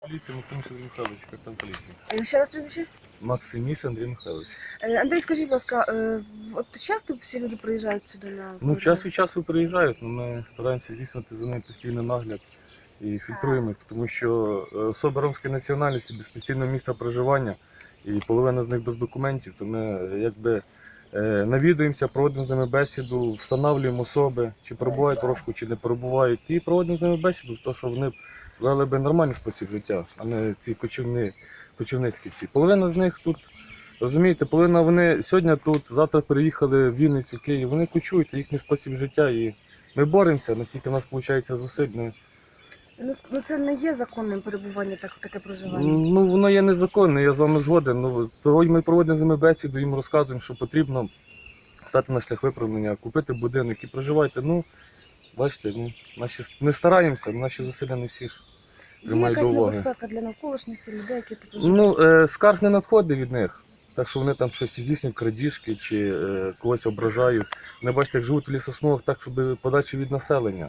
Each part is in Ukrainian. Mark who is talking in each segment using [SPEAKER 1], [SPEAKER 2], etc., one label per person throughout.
[SPEAKER 1] Поліція Максиміш Андрій Михайлович, капітан поліції.
[SPEAKER 2] Ще раз прізвище?
[SPEAKER 1] Максиміш Андрій Михайлович.
[SPEAKER 2] Андрій, скажіть, будь ласка, от часто всі люди приїжджають сюди на...
[SPEAKER 1] Ну, час від часу приїжджають, але ми стараємося здійснювати за ними постійний нагляд і фільтруємо їх, тому що особи ромської національності без постійного місця проживання і половина з них без документів, то ми якби навідуємося, проводимо з ними бесіду, встановлюємо особи, чи перебувають в розшуку, чи не перебувають, і проводимо з ними бесіду, тому що вони вели би нормальний спосіб життя, а не ці кочівницькі всі. Половина з них тут, розумієте, половина вони сьогодні тут, завтра переїхали в Вінницю, в Київ, вони кочують, це їхній спосіб життя, і ми боремося, наскільки в нас виходить зусиль.
[SPEAKER 2] Ну це не є законним перебування, таке проживання?
[SPEAKER 1] Ну воно є незаконне, я з вами згоден. Ну, того ми проводимо з ними бесіду, їм розказуємо, що потрібно стати на шлях виправлення, купити будинок і проживайте. Ну, бачите, ми стараємося, наші зусилля не всі ж приймають до уваги.
[SPEAKER 2] Є якась небезпека для навколишніх людей, які тут проживають?
[SPEAKER 1] Ну, скарг не надходить від них, так що вони там щось здійснюють, крадіжки чи когось ображають. Вони, бачите, як живуть в лісосмугах так, щоб подачі від населення.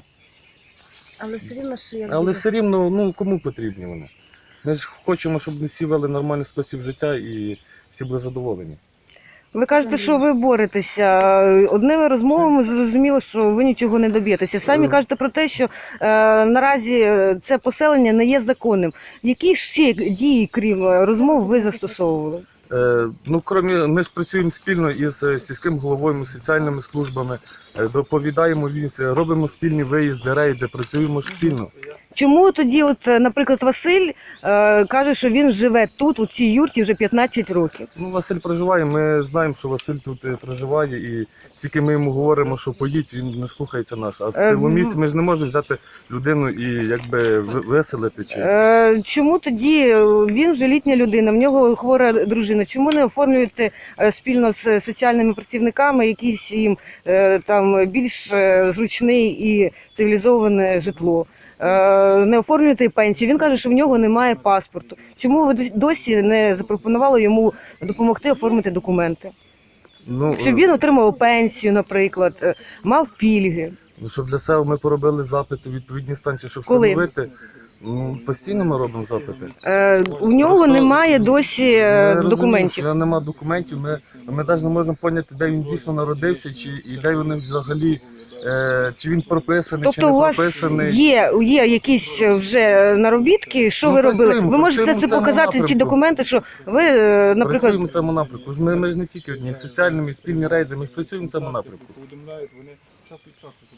[SPEAKER 2] Але все рівно ж як...
[SPEAKER 1] Але все рівно, ну кому потрібні вони? Ми ж хочемо, щоб всі вели нормальний спосіб життя і всі були задоволені.
[SPEAKER 3] Ви кажете, що ви боретеся. Одними розмовами зрозуміло, що ви нічого не доб'єтеся. Самі кажете про те, що наразі це поселення не є законним. Які ще дії, крім розмов, ви застосовували?
[SPEAKER 1] Ну, ми ж працюємо спільно із сільським головою, соціальними службами, доповідаємо, робимо спільні виїзди, рейди, працюємо спільно.
[SPEAKER 3] Чому тоді, от, наприклад, Василь каже, що він живе тут, у цій юрті, вже 15 років?
[SPEAKER 1] Ну, Василь проживає, ми знаємо, що Василь тут проживає, і тільки ми йому говоримо, що поїдь, він не слухається нас. А з силомісць ми ж не можемо взяти людину і якби виселити.
[SPEAKER 3] Чому тоді він вже літня людина, в нього хвора дружина? Чому не оформлюєте спільно з соціальними працівниками якийсь їм там більш зручний і цивілізоване житло? Не оформлюєте пенсію. Він каже, що в нього немає паспорту. Чому ви досі не запропонували йому допомогти оформити документи?
[SPEAKER 1] Ну,
[SPEAKER 3] Щоб він отримав пенсію, наприклад, мав пільги.
[SPEAKER 1] Щоб для себе ми поробили запити у відповідні станції, щоб
[SPEAKER 3] Коли?
[SPEAKER 1] встановити. Ну, постійно ми робимо запити.
[SPEAKER 3] У нього
[SPEAKER 1] Просто
[SPEAKER 3] немає досі документів.
[SPEAKER 1] У нього немає документів, ми навіть не можемо зрозуміти, де він дійсно народився, і де вони взагалі, чи він прописаний, чи
[SPEAKER 3] Тобто
[SPEAKER 1] не
[SPEAKER 3] у вас
[SPEAKER 1] прописаний.
[SPEAKER 3] є якісь вже наробітки, що ви робили? Ви можете це показати, ці документи, що ви, наприклад...
[SPEAKER 1] Працюємо в цьому напрямку. Ми ж не тільки одні, з соціальними, спільні рейди, ми працюємо в цьому напрямку.
[SPEAKER 4] Повідомляють вони час від часу.